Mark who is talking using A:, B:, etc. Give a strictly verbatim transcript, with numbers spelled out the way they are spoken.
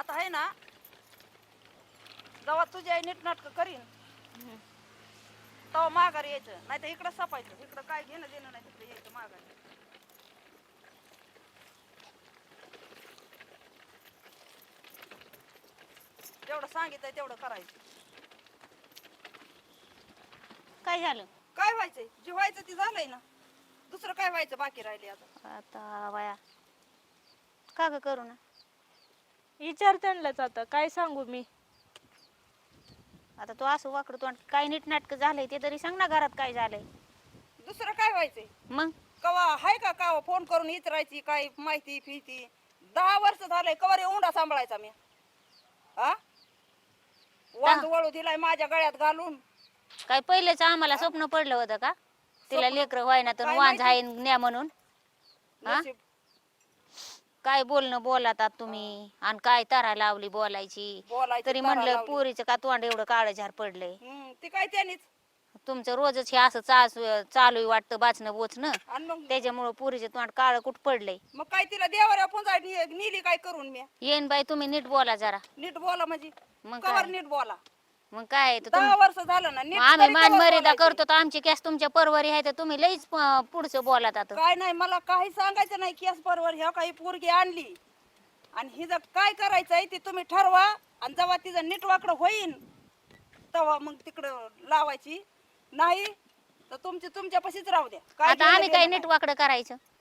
A: आता आहे ना जेव्हा तुझी आई नीट नाटक करीन तेव्हा माघारी यायचं, नाही तर इकडं सपायचं. इकडं काय घेणं देणं नाही, तिकडे यायचं माघारी. जेवढं सांगितलंय तेवढं करायचं.
B: काय झालं
A: काय व्हायचंय? जे व्हायचं ते झालंय ना, दुसरं काय व्हायचं बाकी राहिले आता?
B: आता वया का ग करू ना
C: विचार त्यांनाच आता काय सांगू मी.
B: आता तू असं वाकडं तोंड काय नीट नाटक झालंय ते तरी सांग ना, घरात काय झालंय.
A: दुसरं काय व्हायचंय?
B: मग
A: कवा हाय का का फोन करून विचारायची काय माहिती फिती? दहा वर्ष झालंय कवर उंडा सांभाळायचा मी. हा वांद वळू दिलाय माझ्या गळ्यात घालून.
B: काय पहिलेच आम्हाला स्वप्न पडलं होतं का तिला
A: स्वप्न?
B: लेकर व्हायना तर
A: काय
B: वांज
A: माहिती?
B: आहे न्या म्हणून? हा?
A: नशीब.
B: काय बोलणं बोलातात तुम्ही आणि काय तारा लावली बोलायची.
A: बोलायची
B: तरी
A: तारा
B: म्हणलं
A: लावली.
B: पोरीचं का तोंड एवढं काळं झार पडलंय.
A: हम्म ती काय त्यानीच.
B: तुमचं रोजच हे असं चास चालू वाटतं बाचणं बोचणं,
A: आणि मग
B: त्याच्यामुळं पोरीचं तोंड काळं कुठ पडलंय.
A: मग काय तिला देवाऱ्या पुंजाय नेली काय करून मी?
B: येईन बाई तुम्ही नीट बोला जरा.
A: नीट बोला म्हणजे
B: मग
A: कवर
B: काय
A: नीट बोला.
B: मग काय तर
A: दहा
B: तुम-
A: वर्ष झालं ना नीट
B: मग आम्ही
A: तरी
B: मान
A: कवर
B: मर्यादा
A: बोलायचं.
B: करतो तर आमची कॅस तुमच्या परवारी आहे तर तुम्ही लईच प- पुढचं बोलात आता.
A: काय नाही मला काही सांगायचं नाही. केस बरोबर ह्या काही पोरगी आणली आणि हिचं काय करायचंय ते तुम्ही ठरवा. आणि जेव्हा तिचं नीट वाकडं होईन तेव्हा मग तिकडं लावायची. नाही तर तुमची तुमच्या पशीच राहू द्या. काय
B: आता
A: घेणं
B: आम्ही काय
A: देणं
B: नीट वाकडं करायचं?